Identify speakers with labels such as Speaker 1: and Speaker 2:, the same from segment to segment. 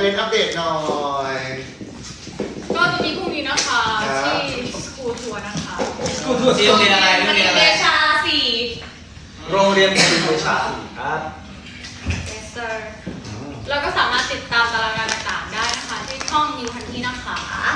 Speaker 1: เป็นอัปเดตหน่อย
Speaker 2: ก็จะมีพรุ่งนี้นะคะที่สกูทัวร์นะคะ
Speaker 3: สกูทัวร์ที่โรงเรียนอะไร
Speaker 2: มันเป็นเดชาสี่
Speaker 3: โรงเรียนเป็นวิชาครับ
Speaker 2: เอสเตอร์แล้วก็สามารถติดตามตารางงานต่างๆได้นะคะที่ช่องนิวพันธีนะคะ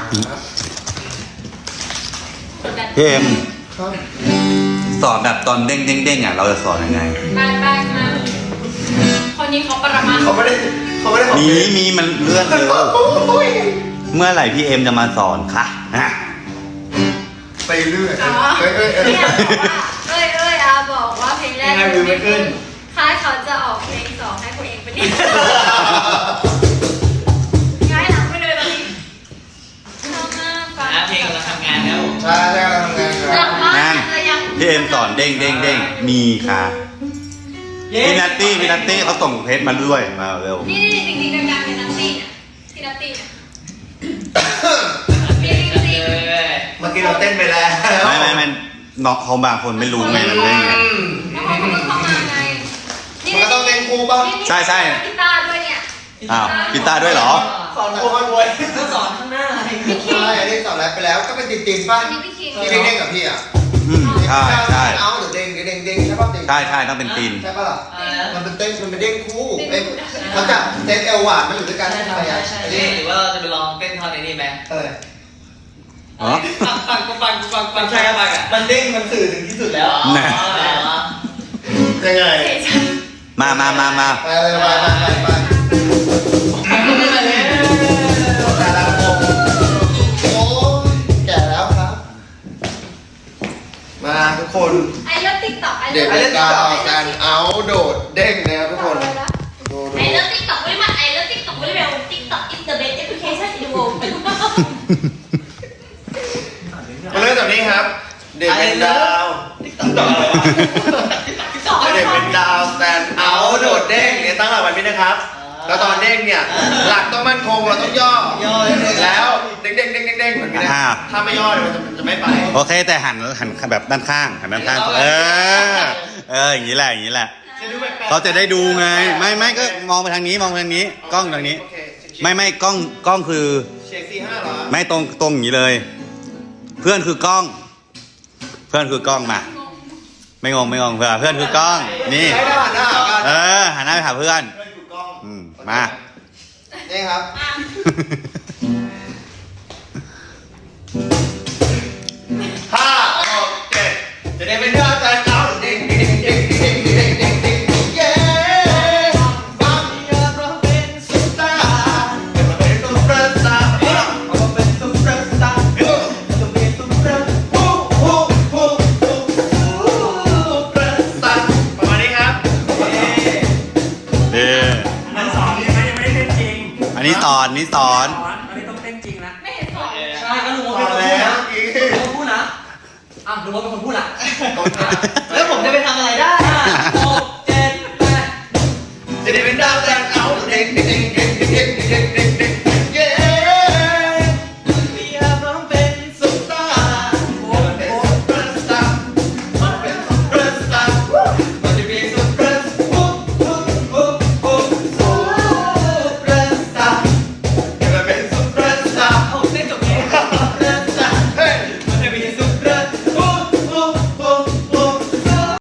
Speaker 4: พี่เอ็ม
Speaker 1: ครับ
Speaker 4: สอนแบบตอนเด้งๆอ่ะเราจะสอนยังไง
Speaker 2: ไปมาคนนี้เขาประมาณ
Speaker 1: เขาไม่ได้ขอ
Speaker 4: มีมันเลื่อนเร็วเมื่อไหร่พี่เอ็มจะมาสอนคะฮะ
Speaker 1: ไปเรื่อย
Speaker 2: อ๋อ เนี่ยบอกว่าเพลงแรกค่ายเขาจะออกเพลงสองให้คุณเองเป็นง่ายหลังไปเลยตอนนี้ชอบมากฟัง
Speaker 3: เพลงกำลังทำงานแล้ว
Speaker 1: ใช่เราทำงานค
Speaker 2: ห
Speaker 1: รั
Speaker 2: ลั
Speaker 1: บ
Speaker 2: งบ้าน
Speaker 4: นั่น
Speaker 2: จะยัง
Speaker 4: พี่เอ็มสอนเด้งมีค่ะพี่นัตตี้เขาส่งเพจมาด้วยมาเร็ว
Speaker 2: นี่จริงๆดังๆเป็นนัตตี้เนี่ยที่นัตตี้เนี่ยจริง
Speaker 1: เมื่อกี้เราเต้นไปแล้ว
Speaker 4: ไม่น้องเขาบางคนไม่รู้ไงมันเด้งไง
Speaker 2: ๆแล้วเขาเพิ่งเข้ามาไง
Speaker 1: มันก็ต้องเต้นคู่ป่ะ
Speaker 4: ใช่
Speaker 2: กีตาร์ด้วยเนี่ย
Speaker 4: อ้าวกีตาร์ด้วยเหรอ
Speaker 1: สอนคู่กันด้วย
Speaker 3: ก็สอนข้างหน้า
Speaker 1: ใช่อันนี้สอนแล้วไปแล้วก็เป็นตินป่ะ
Speaker 2: อันนี้พี่คิง
Speaker 1: ที่เด้งกับพี่อ่ะ
Speaker 4: ใช่
Speaker 1: เอาหรือเด้งใช่ป่ะ
Speaker 4: ใช่ต้องเป็นตีน
Speaker 1: ใช่ป่ะล่ะมันเป็นเต้นมันเป็นเด้งคู่เขาจะเต้นเอวหวานมันอยู่ด้วยกัน
Speaker 3: ใช่
Speaker 1: ใช่ไหมอ่ะ
Speaker 3: หรือว่าเราจะไปลองเต้นท่อนในนี้ไหม
Speaker 4: อ๋อ
Speaker 3: ฟังใช่ครับอ่ะมันเด้งมันสื่อถึงที่สุดแล้ว
Speaker 1: ยังไง
Speaker 4: มา
Speaker 1: ไปเลยไปแต่ละคนโอ้แก่แล้วครับ มาทุกคน
Speaker 2: ไอ้เลิฟติ๊กต็อกไอ้
Speaker 1: เด็ก
Speaker 2: เลิฟ
Speaker 1: เป็นดาวการเอาโดดเด้งนะครับทุกคนดู
Speaker 2: ไอ้เลิฟติ๊กต็อกไม่มาไอ้เลิฟติ๊กต็อกไม่เร็วติ๊กต็อก is the best application in the world
Speaker 1: มาเริ่มจากนี้ครับ เด็กเป็นดาวเด็กเป็นดาวแตนเอาโดดเด้งเนี่ยตั้งหลักแบบนี้นะครับ แล้วตอนเด้งเนี่ยหลักต้องมั่นคงเราต้องย่อแล้วเด้งเหมือนกันนะถ้าไม่ย่อมันจะไม่ไป
Speaker 4: โอเคแต่หันแบบด้านข้างอย่างนี้แหละเขาจะได้ดูไงไม่ก็มองไปทางนี้กล้องทางนี้ไม่กล้องคือ
Speaker 1: เช็ค4-5เหรอ
Speaker 4: ไม่ตรงอย่างนี้เลย เพื่อนคือกล้องมาไม่งงเพื่อนคือกล้องนี่
Speaker 1: ใช้ได้หันหน้าหากัน
Speaker 4: หันหน้าไปหาเพื่อน
Speaker 1: เพื่อนคือกล้อง
Speaker 4: มา
Speaker 1: นี่ครับ5 6 7จะได้เป็นดาวแตนเอาเด้งเย้บังอยากเราเป็นซุปตาร์เราเป็นซุปเปอร์สตาร์เราเป็นซุปเปอร์สตาร์เราเป็นซุปเปอร์ซุปเปอร์สตาร์ประมาณนี้ครับ
Speaker 3: มันสอนยังไม่ได้เต้นจริง
Speaker 4: อันนี้สอน
Speaker 3: อันนี้ต้องเต้นจริงนะ
Speaker 2: ไม่เห็นสอน
Speaker 3: ใช่ก็ลุงว่าเป็นคนพูดนะลุงว่าเป็นคนพูดนะอ้าวลุงว่าเป็นคนพูดอ่ะ